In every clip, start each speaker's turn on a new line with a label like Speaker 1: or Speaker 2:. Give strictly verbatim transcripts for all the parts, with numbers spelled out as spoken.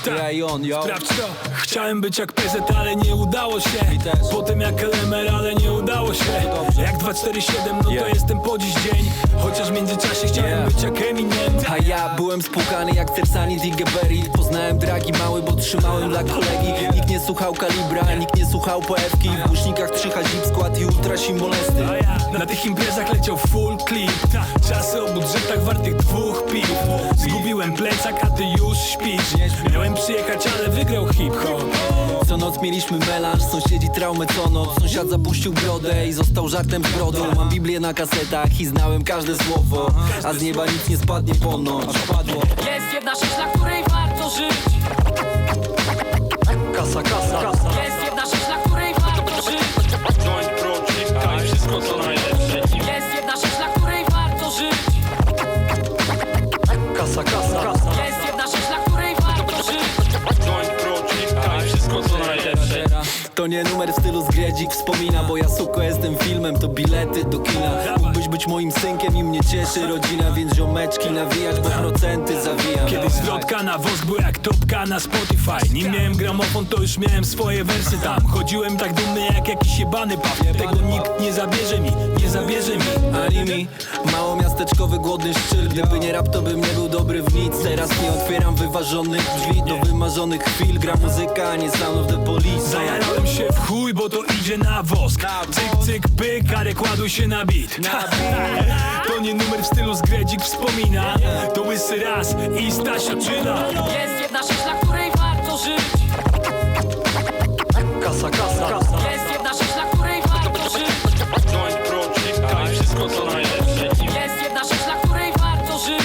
Speaker 1: Ja i on, yo.
Speaker 2: Sprawdź to. Chciałem być jak P Z, ale nie udało się. Potem jak L M R, ale nie udało się. Jak dwa cztery siedem, no to
Speaker 1: Yeah.
Speaker 2: jestem po dziś dzień. Chociaż w międzyczasie chciałem
Speaker 1: Yeah.
Speaker 2: być jak Eminem.
Speaker 1: A ja byłem spłukany jak Tersanit i Geberit. Poznałem dragi mały, bo trzymałem dla kolegi. Nikt nie słuchał kalibra, nikt nie słuchał poewki. W głośnikach trzy H zip skład i ultra molesty.
Speaker 2: A ja na tych imprezach leciał full clip. Czasy o budżetach wartych dwóch piw. Zgubiłem plecak, a ty już śpisz. Miałem przyjechać, ale wygrał hip-hop.
Speaker 1: Co noc mieliśmy melanż, sąsiedzi traumę co noc. Sąsiad zapuścił brodę i został żartem z brodą. Mam Biblię na kasetach i znałem każde słowo. A z nieba nic nie spadnie ponoć. Padło.
Speaker 3: Jest jedna rzecz, dla której warto żyć.
Speaker 1: Kasa, kasa, kasa.
Speaker 3: Jest jedna rzecz, dla której warto żyć.
Speaker 4: Joint Project, a i wszystko co najlepsze.
Speaker 3: Jest jedna rzecz, dla której warto żyć.
Speaker 1: Kasa, kasa, kasa.
Speaker 3: Jest jedna rzecz, dla której warto żyć.
Speaker 4: Joint Project, a i wszystko co najlepsze.
Speaker 1: To nie numer w stylu zgredzik wspomina. Bo ja suko jestem filmem, to bilety do kina. Mógłbyś być moim synkiem i mnie cieszy rodzina. Więc ziomeczki nawijać, bo procenty zawijam.
Speaker 2: Kiedyś zwrotka na wosk był jak topka na Spotify. Nim miałem gramofon, to już miałem swoje wersy tam. Chodziłem tak dumny jak jakiś jebany paw. Tego nikt nie zabierze mi, nie zabierze mi.
Speaker 1: Ani mi, mało miasteczkowy głodny szczyl. Gdyby nie rap, to bym nie był dobry w nic. Teraz nie otwieram wyważonych drzwi do wymarzonych chwil. Gra muzyka, a nie Sound of the Police.
Speaker 2: Zajarałem się w chuj, bo to idzie na wosk. Cyk, cyk, pyk, ale kładł się na beat. To nie numer w stylu zgredzik wspomina. To łysy raz i Stasiaczyna.
Speaker 3: Jest jedna rzecz, dla której warto żyć.
Speaker 1: Kasa, kasa, kasa.
Speaker 3: Jest jedna rzecz, dla której warto żyć.
Speaker 4: Joint Project, a i wszystko co najlepsze.
Speaker 3: Jest jedna rzecz, dla której warto żyć.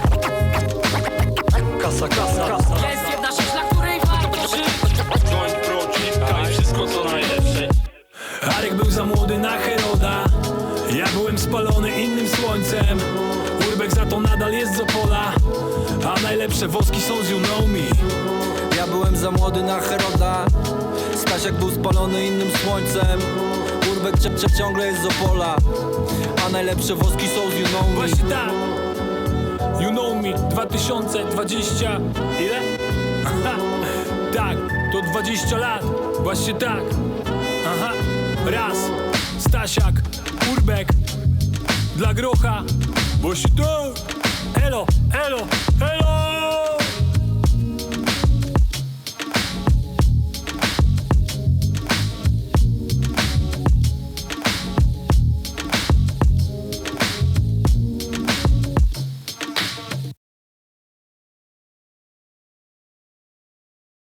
Speaker 1: Kasa, kasa, kasa.
Speaker 3: Jest jedna rzecz, dla której warto żyć.
Speaker 4: Joint Project, a i wszystko co najlepsze.
Speaker 2: Arek był za młody na Heroda. Ja byłem spalony innym słońcem. Urbek za to nadal jest z Opola. A najlepsze woski są z You Know Me.
Speaker 1: Ja byłem za młody na Heroda. Stasiak był spalony innym słońcem. Urbek cia- cia- ciągle jest z Opola. A najlepsze woski są z You Know Me.
Speaker 2: Właśnie tak. You Know Me dwa tysiące dwadzieścia. Ile? Aha. Tak, to dwadzieścia lat. Właśnie tak. Aha. Raz. Stasiak, Urbek. Dla grocha. Właśnie tak. Elo, elo, elo.